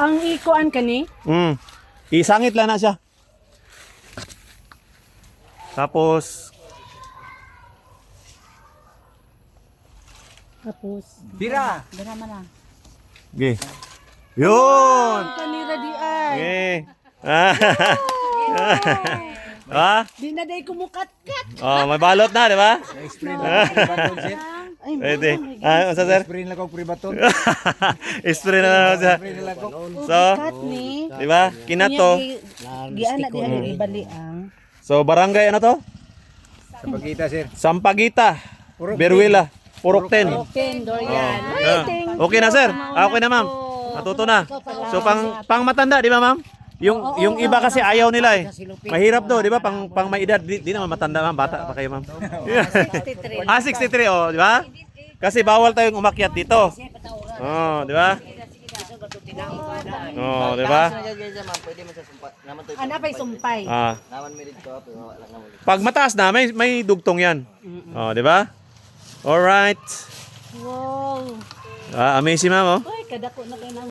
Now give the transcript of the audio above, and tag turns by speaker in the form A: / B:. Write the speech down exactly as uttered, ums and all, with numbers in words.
A: Ang ikuan kani?
B: Mm. Isangit lang na siya. Tapos,
A: Tapos,
C: Bira.
A: dara man lang.
B: okay. Yun!
A: Kanira di ay.
B: Okay. Ah. Ah?
A: Di na day kumukat-kat.
B: Oh, may balot na, di ba?
C: Spray na ako pribaton, sir.
A: Ay,
B: Pwede. Ah, unsa sir?
C: Spray na ako pribaton.
B: Spray na lang siya.
C: Spray na ako.
B: So,
A: kat ni.
B: di ba? Kinato.
A: Gian na diha ni ibali ang.
B: So, barangay ano to?
C: Sa pagkita, sir.
B: Sampaguita. Beruela. Purok ten.
A: Open door yan.
B: Ah, okay na sir. Ah, okay na ma'am. Natuto na. So pang pang matanda, di ba ma'am? Yung yung iba kasi ayaw nila eh. Mahirap do, di ba? Pang pang may edad, di, di naman matanda ma'am, bata pa kayo ma'am.
A: sixty-three.
B: Ah, sixty-three oh, di ba? Kasi bawal tayong umakyat dito. Oh, di ba? Oh, di ba?
A: Ana pa'y sumpay.
B: Ah. Pag mataas na, may may dugtong 'yan. Oh, di ba? All right.
A: Wow.
B: Ah, amazing ma'am oh.
A: Ay, kadako na kayo ng